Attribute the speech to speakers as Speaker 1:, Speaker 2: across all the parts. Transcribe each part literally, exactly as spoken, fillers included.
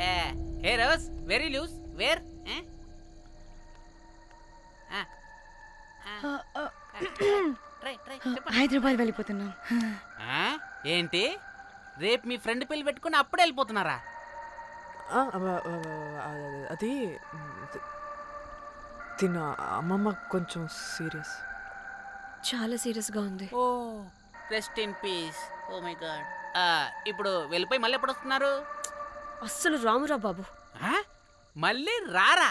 Speaker 1: Hey Rose very loose where
Speaker 2: Hyderabad వెళ్ళిపోతున్నాం.
Speaker 1: ఏంటి రేపు మీ ఫ్రెండ్ పెళ్లి పెట్టుకుని అప్పుడే వెళ్ళిపోతున్నారా?
Speaker 3: అది తిన్న అమ్మమ్మ కొంచెం సీరియస్,
Speaker 2: చాలా సీరియస్గా ఉంది.
Speaker 1: Oh rest in peace. Oh my god. ఇప్పుడు వెళ్ళిపోయి మళ్ళీ ఎప్పుడు వస్తున్నారు?
Speaker 2: అస్సలు రామురా బాబు.
Speaker 1: మళ్ళీ రారా?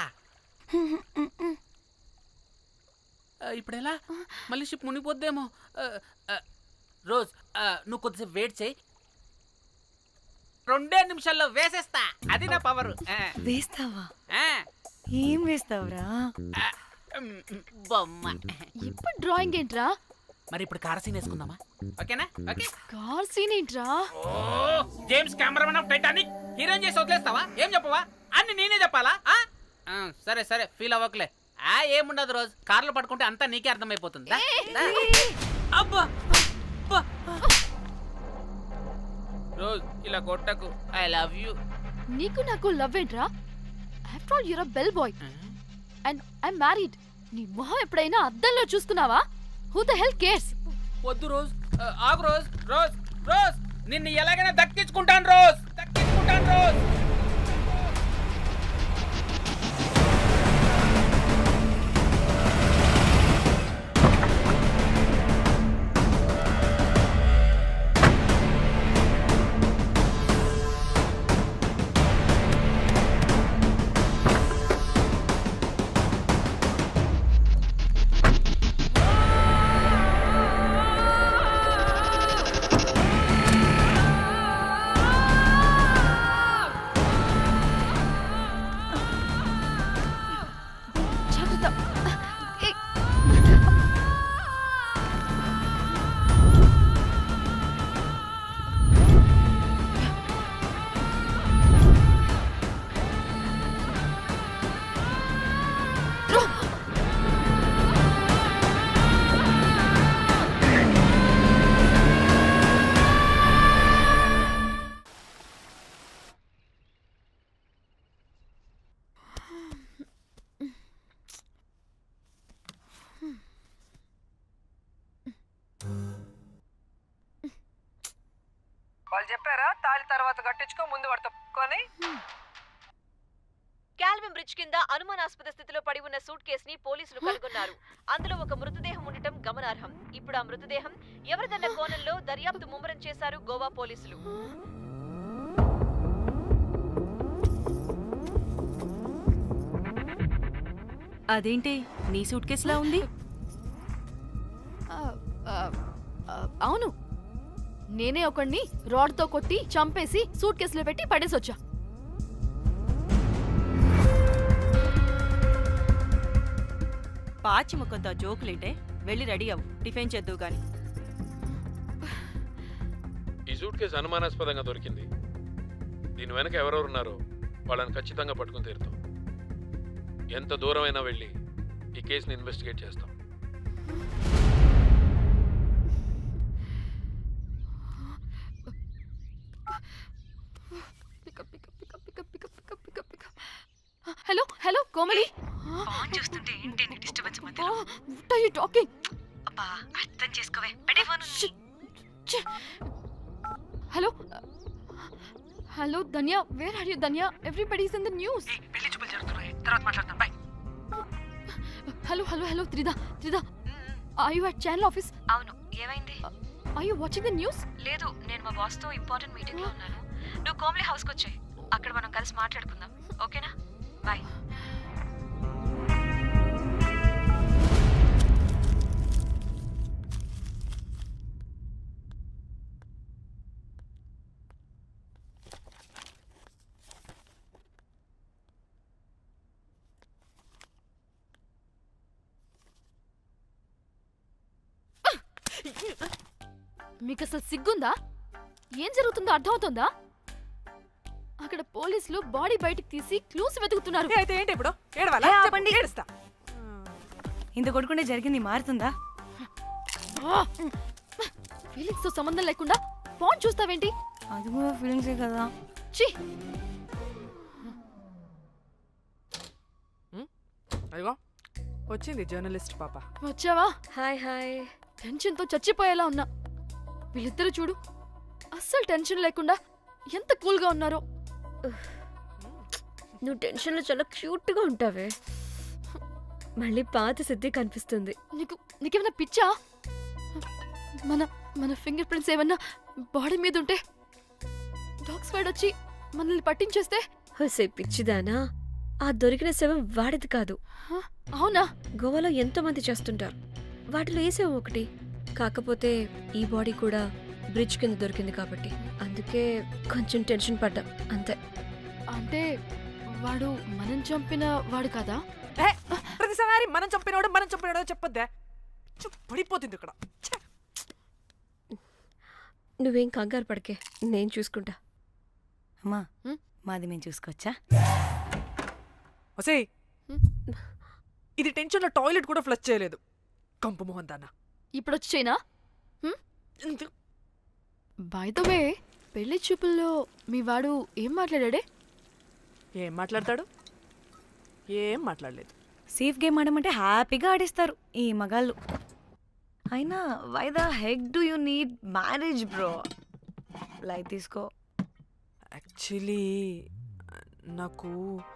Speaker 1: ఇప్పుడు ఎలా? మళ్ళీ షిప్ మునిగిపోద్దేమో. రోజ్ నువ్వు కొద్దిసేపు వెయిట్ చేయి, రెండే నిమిషాల్లో వేసేస్తా. అది నా పవర్.
Speaker 2: వేస్తావా? ఏం వేస్తావురా?
Speaker 1: బొమ్మ.
Speaker 4: ఇప్పుడు డ్రాయింగ్ ఏంట్రా?
Speaker 1: మరి ఇప్పుడు కార్ సీన్ వేసుకుందామా? ఓకేనా? ఓకే.
Speaker 4: కార్ సీన్ ఏంట్రా?
Speaker 1: James Cameron of Titanic heroine చేసి వదిలేస్తావా? ఏం చెప్పవా? అన్ని నేనే చెప్పాలా? సరే సరే ఫీల్ అవ్వకలే. ఆ ఏముండదు రోజు, కార్లో పట్టుకుంటే అంతా నీకే అర్థమైపోతుంది. అబ్బా రోజ్ ఇలా కొట్టకు. I love you.
Speaker 4: నీకు నాకు లవ్ ఏంట్రా? After all you're a bell boy and I am married. నీ మొహం ఎప్పుడైనా అద్దంలో చూసుకున్నావా? Who the hell cares?
Speaker 1: వద్దు రోజ్, ఆగు రోజ్. రోజ్ రోజ్ నిన్ను ఎలాగైనా దక్కించుకుంటాను రోజ్, దక్కించుకుంటాను రోజ్.
Speaker 3: వాళ్ళు చెప్పారా తాళి తర్వాత కట్టించుకో, ముందు పడుకొని.
Speaker 5: కాల్విన్ బ్రిడ్జ్ కింద అనుమానాస్పద స్థితిలో పడి ఉన్న సూట్ కేస్ ని పోలీసులు కనుగొన్నారు. అందులో ఒక మృతదేహం ఉండటం గమనార్హం. ఇప్పుడు ఆ మృతదేహం ఎవరిదన్న కోణంలో దర్యాప్తు ముమ్మరం చేశారు గోవా పోలీసులు.
Speaker 2: అదేంటి నీ సూట్ కేసులా ఉంది?
Speaker 4: అవును, నేనే ఒకడిని రాడ్తో కొట్టి చంపేసి సూట్ కేసులో పెట్టి పడేసొచ్చా.
Speaker 2: పాచి ముఖంతో జోకులేంటే వెళ్ళి రెడీ అవ్వు, టిఫిన్ చేద్దువు గాని.
Speaker 6: ఈ సూట్ కేసు అనుమానాస్పదంగా దొరికింది. దీని వెనక ఎవరెవరు ఉన్నారో వాళ్ళని ఖచ్చితంగా పట్టుకుని తీరుతాం. ఎంత దూరమైనా వెళ్ళి ఈ కేసుని ఇన్వెస్టిగేట్ చేస్తాం.
Speaker 4: Hello hello Komali.
Speaker 2: ఫోన్ చూస్తుంటే ఏంటి నీ డిస్టర్బెన్స్ మధ్యలో?
Speaker 4: What are you talking?
Speaker 2: అబ్బా అర్థం చేసుకోవే, పెట్టే phone.
Speaker 4: Hello hello Dhanya, where are you Dhanya? Everybody is in the news.
Speaker 2: పెళ్లి చూపులు జరుగుతున్నాయి, తర్వాత మాట్లాడతాం. Bye.
Speaker 4: Hello hello hello Trida Trida, are you at channel office?
Speaker 2: అవును, ఏమైంది?
Speaker 4: Are you watching the news?
Speaker 2: లేదు, నేను మా బాస్ తో ఇంపార్టెంట్ మీటింగ్ లో ఉన్నాను. నువ్వు కోమలి హౌస్ కి వచ్చాయి, అక్కడ మనం కలిసి మాట్లాడుకుందాం. ఓకేనా? బాయ్.
Speaker 4: మీకు అసలు సిగ్గుందా? ఏం జరుగుతుందో అర్థమవుతుందా? అక్కడ పోలీసులు బాడీ బయటికి తీసి క్లూస్ వెతుకుతున్నారు.
Speaker 3: అయితే ఏంటి ఇప్పుడు? ఏడవాలా? చెప్పండి, ఏడుస్తా.
Speaker 2: ఇంత కొడుకుంటే జరిగింది మారుతుందా?
Speaker 4: ఫీలింగ్స్ తో సంబంధం లేకుండా ఫోన్ చూస్తావేంటి?
Speaker 2: అది కూడా ఫీలింగ్సే కదా.
Speaker 4: ఛీ,
Speaker 3: అదిగో వచ్చింది జర్నలిస్ట్ పాప.
Speaker 4: వచ్చావా?
Speaker 5: Hi hi.
Speaker 4: టెన్షన్తో చచ్చిపోయేలా ఉన్నా. వీళ్ళిద్దరు చూడు, అస్సలు టెన్షన్ లేకుండా ఎంత కూల్గా ఉన్నారో.
Speaker 5: నువ్వు టెన్షన్లో చాలా క్యూట్గా ఉంటావే. మళ్ళీ పాత సిద్ధి కనిపిస్తుంది.
Speaker 4: నీకు నీకేమైనా పిచ్చా? మన మన ఫింగర్ ప్రింట్స్ ఏమన్నా బాడీ మీద ఉంటే డాగ్ స్క్వాడ్ వచ్చి మనల్ని పట్టించేస్తే?
Speaker 5: హోసే పిచ్చిదానా, ఆ దొరికిన శవం వాడిది కాదు.
Speaker 4: హ, అవునా?
Speaker 5: గోవాలో ఎంతో మంది చేస్తుంటారు, వాటిలో ఏ శవం ఒకటి. కాకపోతే ఈ బాడీ కూడా బ్రిడ్జ్ కింద దొరికింది కాబట్టి అందుకే కొంచెం టెన్షన్ పడ్డా అంతే.
Speaker 4: అంటే వాడు మనం చంపిన వాడు కదా?
Speaker 3: ఏ, ప్రతిసారి మనం చంపినోడు మనం చంపినోడో చెప్పొద్దే, చు, పడిపోతుంది ఇక్కడ. ఛే.
Speaker 5: నువ్వేం కంగారు పడకే, నేను చూసుకుంటా.
Speaker 7: అమ్మా
Speaker 4: హ్మ్?
Speaker 7: మాది మేము చూసుకోవచ్చా?
Speaker 3: ఒసేయ్,
Speaker 4: హ్మ్?
Speaker 3: ఇది టెన్షన్లో టాయిలెట్ కూడా ఫ్లష్ చేయలేదు. కంపు మోహన్ దాన్న.
Speaker 4: ఇప్పుడు వచ్చి చేయనా? బై ద వే, పెళ్లి చూపుల్లో మీ వాడు ఏం మాట్లాడాడే?
Speaker 3: ఏం మాట్లాడతాడు? ఏం మాట్లాడలేదు.
Speaker 7: సేఫ్ గేమ్ ఆడమంటే హ్యాపీగా ఆడిస్తారు ఈ మగాళ్ళు. అయినా why the heck do you need marriage bro? Light తీసుకో.
Speaker 3: యాక్చువల్లీ నాకు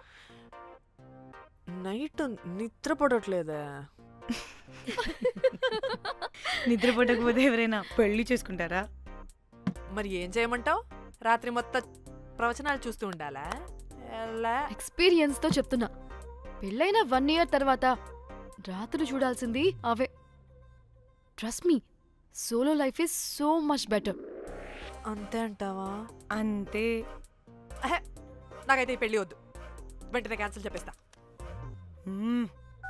Speaker 3: నైట్ నిద్ర పడట్లేదే.
Speaker 7: నిద్రపోటకపోతే ఎవరైనా పెళ్లి చేసుకుంటారా?
Speaker 3: మరి ఏం చేయమంటావు? రాత్రి మొత్తం ప్రవచనాలు చూస్తూ ఉండాలా? ఎలా?
Speaker 4: ఎక్స్పీరియన్స్ తో చెప్తున్నా. పెళ్ళైన వన్ ఇయర్ తర్వాత రాత్రులు చూడాల్సింది అవే. Trust me, solo life is so much better.
Speaker 3: అంతే అంటావా?
Speaker 7: అంతే.
Speaker 3: అహే, నాకైతే ఈ పెళ్ళి వద్దు. వెంటనే క్యాన్సిల్ చెప్పేస్తా.
Speaker 7: మ్మ్.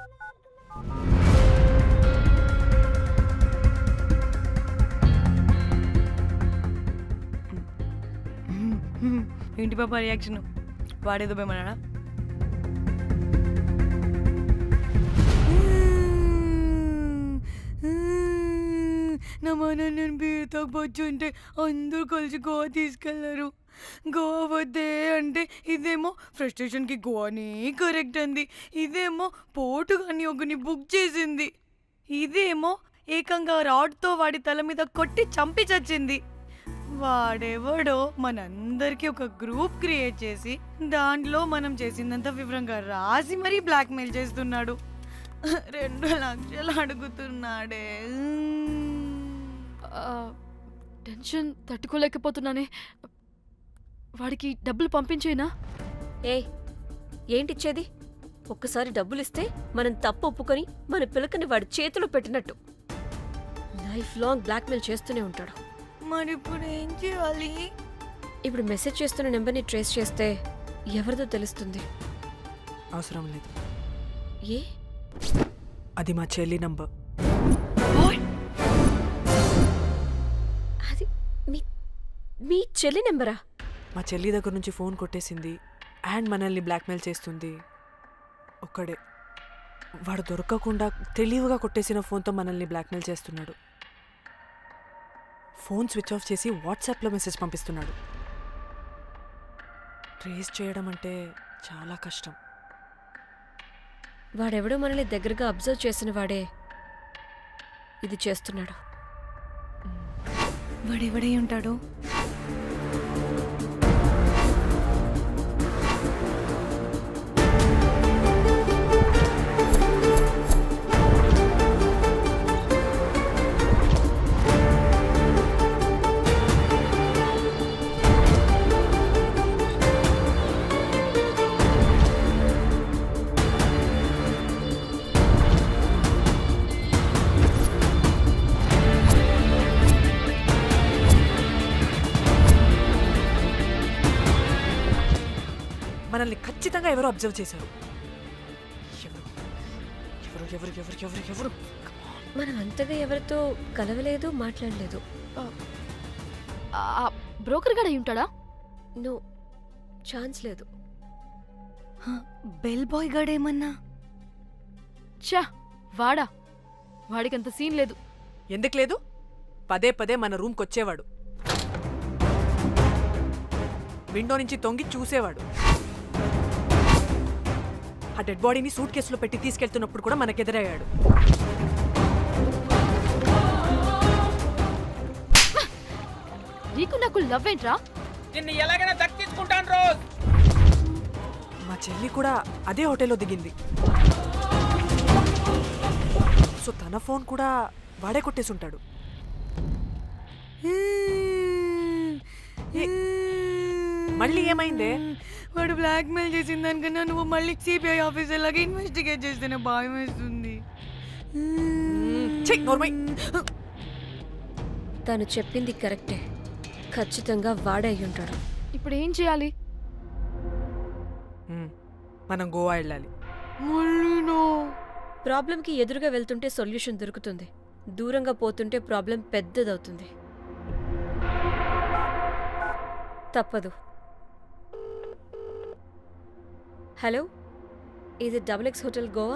Speaker 7: మ్మ్. ఏంటి పాప రియాక్షన్? వాడేదో భయమన్నాడా? నా మన నేను బీరుతో వచ్చుంటే అందరూ కలిసి గోవా తీసుకెళ్లారు. గోవా వద్దే అంటే ఇదేమో ఫ్రస్ట్రేషన్కి గోవాని కరెక్ట్ అంది, ఇదేమో పోటు కానీ ఒకని బుక్ చేసింది, ఇదేమో ఏకంగా రాడ్తో వాడి తల మీద కొట్టి చంపి చచ్చింది. వాడెవడో మనందరికీ ఒక గ్రూప్ క్రియేట్ చేసి దాంట్లో మనం చేసిందంత వివరంగా రాసి మరీ బ్లాక్మెయిల్ చేస్తున్నాడు. రెండు లక్షలు అడుగుతున్నాడే.
Speaker 4: టెన్షన్ తట్టుకోలేకపోతున్నానే. వాడికి డబ్బులు పంపించేనా?
Speaker 5: ఏయ్, ఏంటిచ్చేది? ఒక్కసారి డబ్బులిస్తే మనం తప్పు ఒప్పుకొని మన పిలకని వాడి చేతిలో పెట్టినట్టు. లైఫ్ లాంగ్ బ్లాక్మెయిల్ చేస్తూనే ఉంటాడు.
Speaker 7: మరి ఇప్పుడు ఏం చేయాలి?
Speaker 5: ఇప్పుడు మెసేజ్ చేస్తున్న నెంబర్ని ట్రేస్ చేస్తే ఎవరిదో తెలుస్తుంది.
Speaker 3: అవసరం లేదు,
Speaker 5: ఏ?
Speaker 3: అది మా చెల్లి నంబర్.
Speaker 5: అది మీ మీ చెల్లి నెంబరా?
Speaker 3: మా చెల్లి దగ్గర నుంచి ఫోన్ కొట్టేసింది అండ్ మనల్ని బ్లాక్మెయిల్ చేస్తుంది. ఒక్కడే వాడు దొరకకుండా తెలివిగా కొట్టేసిన ఫోన్తో మనల్ని బ్లాక్మెయిల్ చేస్తున్నాడు. ఫోన్ స్విచ్ ఆఫ్ చేసి వాట్సాప్లో మెసేజ్ పంపిస్తున్నాడు. ట్రేస్ చేయడం అంటే చాలా కష్టం.
Speaker 5: వాడెవడో మనల్ని దగ్గరగా అబ్జర్వ్ చేసిన వాడే ఇది చేస్తున్నాడు.
Speaker 7: వాడెవడై ఉంటాడు?
Speaker 3: మనల్ని ఖచ్చితంగా ఎవరో అబ్జర్వ్ చేశారు. ఎవరు ఎవరు ఎవరు ఎవరు ఎవరు ఎవరు
Speaker 5: మనం అంతగా ఎవరితో కలవలేదు, మాట్లాడలేదు.
Speaker 4: బ్రోకర్ గడ ఉంటాడా?
Speaker 5: నో, ఛాన్స్ లేదు.
Speaker 7: బెల్ బాయ్ గాడేమన్నా?
Speaker 4: చా, వాడా? వాడికంత సీన్ లేదు.
Speaker 3: ఎందుకు లేదు? పదే పదే మన రూమ్కి వచ్చేవాడు, విండో నుంచి తొంగి చూసేవాడు. ఆ డెడ్ బాడీని సూట్ కేసులో పెట్టి తీసుకెళ్తున్నప్పుడు కూడా మనకెదురయ్యాడు.
Speaker 4: నీకు నాకు లవ్ ఏంట్రా?
Speaker 1: నిన్ను ఎలాగైనా దక్కించుకుంటాను రోజ్.
Speaker 3: మా చెల్లి కూడా అదే హోటల్లో దిగింది. సో తన ఫోన్ కూడా వాడే కొట్టేసి ఉంటాడు. మళ్ళీ ఏమైందే?
Speaker 7: వాడు బ్లాక్ మెయిల్ చేసిన దానికన్నా నువ్వు మళ్ళీ సిబిఐ ఆఫీసర్ లాగా ఇన్వెస్టిగేట్ చేస్తేనే భయం వేస్తుంది.
Speaker 3: చెయ్ నోర్మై.
Speaker 8: తను చెప్పింది కరెక్టే, ఖచ్చితంగా వాడే అయి ఉంటాడు.
Speaker 4: ఇప్పుడు ఏం చేయాలి?
Speaker 3: మ్మ్. మనం గోవా వెళ్ళాలి.
Speaker 7: మళ్ళీనో
Speaker 8: ప్రాబ్లంకి ఎదురుగా వెళ్తుంటే సొల్యూషన్ దొరుకుతుంది, దూరంగా పోతుంటే ప్రాబ్లం పెద్దదవుతుంది. తప్పదు. హలో, ఇది double X hotel Goa?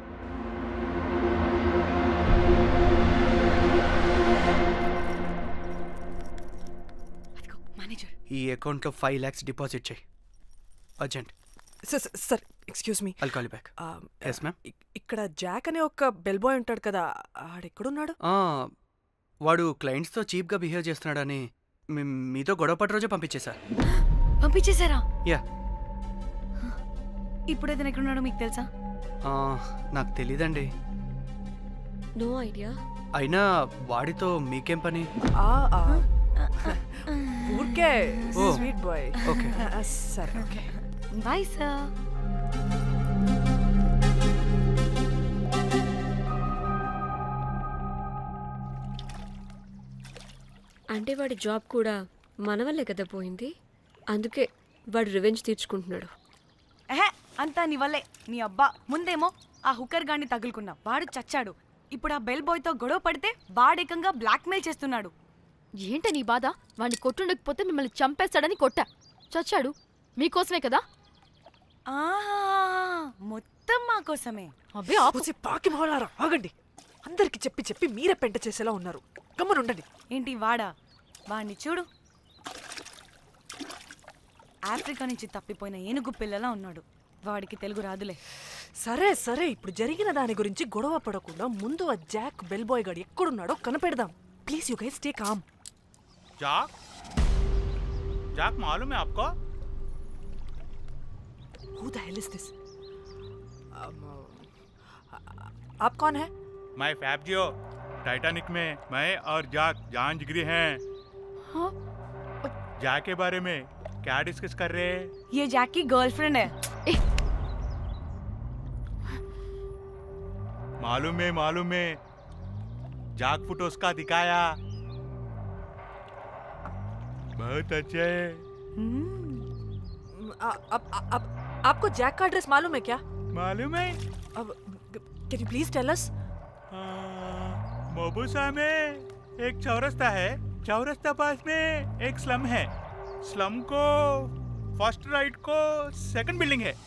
Speaker 7: Manager
Speaker 9: ఈ అకౌంట్లో ఫైవ్ ల్యాక్స్ డిపాజిట్ చేయి urgent.
Speaker 3: Sir sir excuse me.
Speaker 9: I'll call back. Yes ma'am.
Speaker 3: ఇక్కడ జాక్ అనే ఒక బెల్ బాయ్ ఉంటాడు కదా, ఆడెక్కడున్నాడు?
Speaker 9: వాడు క్లయింట్స్తో చీప్గా బిహేవ్ చేస్తున్నాడని మీ- మీతో గొడవ పడి రోజే పంపించేశా.
Speaker 7: పంపించేశారా?
Speaker 9: యా.
Speaker 7: ఇప్పుడు అతను ఎక్కడున్నాడో మీకు తెలుసా?
Speaker 9: నాకు తెలీదండి.
Speaker 8: No idea.
Speaker 9: అయినా వాడితో మీకేం పని?
Speaker 3: ఆ, ఆ. ఊరికే
Speaker 9: ఓ.
Speaker 3: Sweet boy.
Speaker 9: ఓకే.
Speaker 3: సరే ఓకే.
Speaker 7: Bye sir.
Speaker 8: అంటే వాడి జాబ్ కూడా మన వల్లే కదా పోయింది, అందుకే వాడు రివెంజ్ తీర్చుకుంటున్నాడు.
Speaker 7: ఎహే, అంతా నీ వల్లే. నీ అబ్బా ముందేమో ఆ హుకర్ గాన్ని తగులుకున్నా, వాడు చచ్చాడు. ఇప్పుడు ఆ బెల్ బాయ్తో గొడవ పడితే వాడేకంగా బ్లాక్మెయిల్ చేస్తున్నాడు.
Speaker 4: ఏంట నీ బాధ? వాడిని కొట్టుండకపోతే మిమ్మల్ని చంపేస్తాడని కొట్టా. చచ్చాడు మీకోసమే కదా.
Speaker 7: ఆహా, మొత్తం మా కోసమే.
Speaker 4: అబ్బే ఆపు.
Speaker 3: పూసి పాకి మొహలారా, ఆగండి. అందరికి చెప్పి చెప్పి మీరే పెంట చేసేలా ఉన్నారు. గమ్మనుండండి.
Speaker 7: ఏంటి వాడా? వాడిని చూడు, ఆఫ్రికా నుంచి తప్పిపోయిన ఏనుగు పిల్లలా ఉన్నాడు. వాడికి తెలుగు రాదులే.
Speaker 3: సరే సరే, ఇప్పుడు జరిగిన దాని గురించి గొడవ పడకుండా ముందు ఆ జాక్ బెల్ బాయ్ గాడు ఎక్కడున్నాడో కనిపెడదాం. Please you guys take calm.
Speaker 10: Jack Jack मालूम है आपको?
Speaker 3: Who the hell is this? um, आप कौन है?
Speaker 10: मैं फैब्जियो। टाइटैनिक में मैं और जाक जान जिगरी हैं।
Speaker 4: हाँ?
Speaker 10: जाक के बारे में क्या डिस्कस कर रहे हैं?
Speaker 7: ये जैक की गर्लफ्रेंड है.
Speaker 10: मालूम है मालूम है, जाक फोटोस का दिखाया, बहुत अच्छे है।
Speaker 3: आ, आप, आप, आपको जैक का एड्रेस मालूम है क्या?
Speaker 10: मालूम है?
Speaker 3: अब can you please tell us?
Speaker 10: मोबुसा में एक चौरस्ता है, चौरस्ता पास में एक स्लम है, स्लम को फर्स्ट राइट को सेकंड बिल्डिंग है,